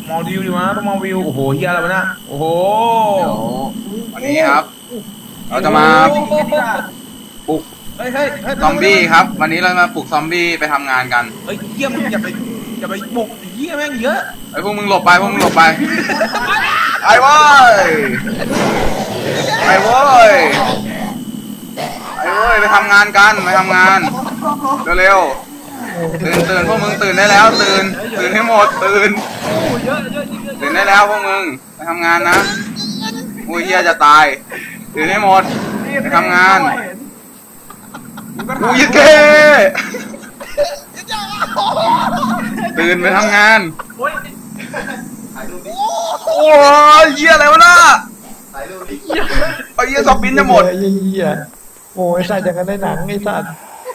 มองวิวดีวะต้องมองวิวโอ้โหเฮียอะไรวะเนี่ยโอ้โหเดี๋ยววันนี้ครับเราจะมาปลุกเฮ้ยเฮ้ยเฮ้ยซอมบี้ครับวันนี้เรามาปลุกซอมบี้ไปทำงานกันเฮ้ยเฮียมึงอย่าไปบุกเฮียแม่งเยอะไอ้พวกมึงหลบไปพวกมึงหลบไปไอ้เว้ยไอ้เว้ยไอ้เว้ยไปทำงานกันไปทำงานเร็วๆตื่นพวกมึงตื่นได้แล้วตื่นให้หมดตื่นได้แล้วพวกมึงไปทำงานนะอุ้ยเฮียจะตายตื่นให้หมดไปทำงานอุ้ยเก้ตื่นไปทำงานโอ้ยเหี้ยอะไรวะน่ะไอ้เหี้ยซอมบี้จะหมดเหี้ยโอ้ยใส่จากกันในหนังไอ้สัตว์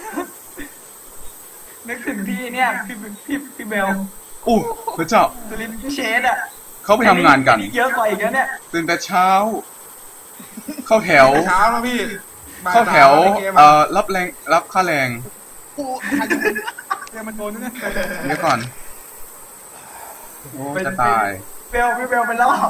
นึกถึงพี่เนี่ยพี่เบลอู้พระเจ้าสุรินทร์พี่เชษอ่ะเขาไปทำงานกันเยอะกว่าอีกแล้วเนี่ยตื่นแต่เช้าเข้าแถวเช้าแล้วพี่เข้าแถวรับค่าแรงเดี๋ยวมันโดนนะเดี๋ยวก่อนโอ้จะตายพี่เบลไปรอบ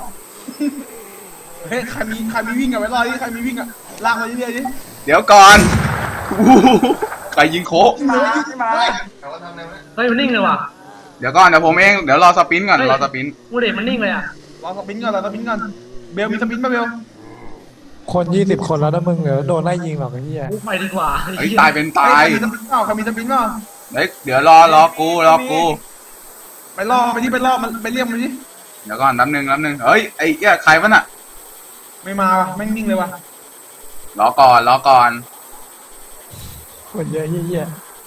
เฮ้ยใครมีวิ่งอะไว้รอดิใครมีวิ่งอะลากมาเรื่อยๆดิเดี๋ยวก่อนใครยิงโคมาเฮ้ยมันนิ่งเลยว่ะเดี๋ยวก่อนเดี๋ยวผมเองเดี๋ยวรอสปินก่อนรอสปินมูเดตมันนิ่งเลยอ่ะรอสปินก่อนเบลมีสปินป่ะเบลคน20 คนแล้วนะมึงเดี๋ยวโดนไล่ยิงหรอกไอ้เหี้ยไปดีกว่าเฮ้ยตายเป็นตายใครมีสปินเปล่าเดี๋ยวรอกูไปล่อมันไปเรียกมันดิเดี๋ยวก่อนน้ำหนึ่งเฮ้ยไอ้เหี้ยใครวะน่ะไม่มาวะแม่งนิ่งเลยวะรอก่อนคนเยอะเหี้ย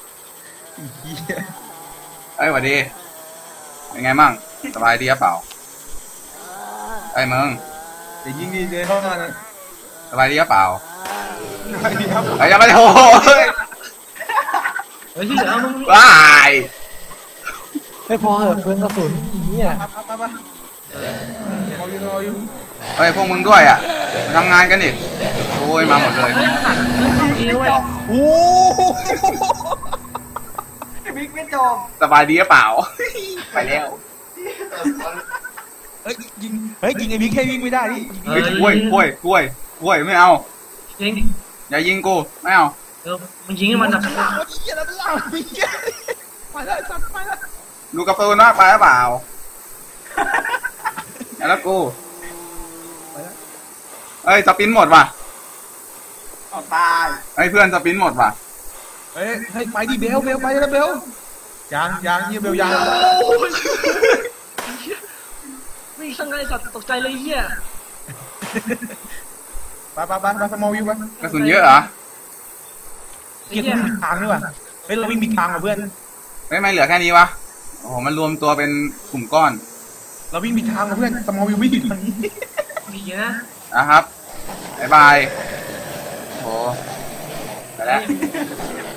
เฮ้ยสวัสดีเป็นไงมั่งสบายดีหรือเปล่าไอ้มึงจะยิงดีเลยเข้ามานะสบายดีหรือเปล่าสบายดีครับไอ้ยังไม่โหเฮ้ยที่เหลือมึงว้ายไม่พอเหอะเพื่อนกระสุนเหี้ยไปรออยู่เฮ้ยพวกมึงด้วยอ่ะมาทำงานกันดิโอ้ยมาหมดเลยโอ้บิ๊กไม่จบสบายดีหรือเปล่าไปแล้วเฮ้ยยิงไอ้บิ๊กแค่วิ่งไม่ได้ดิกล้วยไม่เอายิงอย่ายิงกูไม่เอามันยิงให้มันแบบดูกระเป๋ามากไปหรือเปล่าแล้วกูเอ้ยสปินหมดว่ะตายไอ้เพื่อนสปินหมดว่ะเฮ้ยไปดิเบลไปแล้วเบลยังเบลยังไม่ช่างไงสัตว์ตกใจเลยเหี้ยไปสมอลวิวไปกระสุนเยอะเหรอเกียร์วิ่งทางนี่ว่ะเฮ้ยเราวิ่งผิดทางอ่ะเพื่อนไม่เหลือแค่นี้วะโอ้โหมันรวมตัวเป็นกลุ่มก้อนเราวิ่งผิดทางอ่ะเพื่อนสมอลวิววิ่งผิดทางนี้ดีนะนะครับบ๊ายบายโอ้ไปแล้ว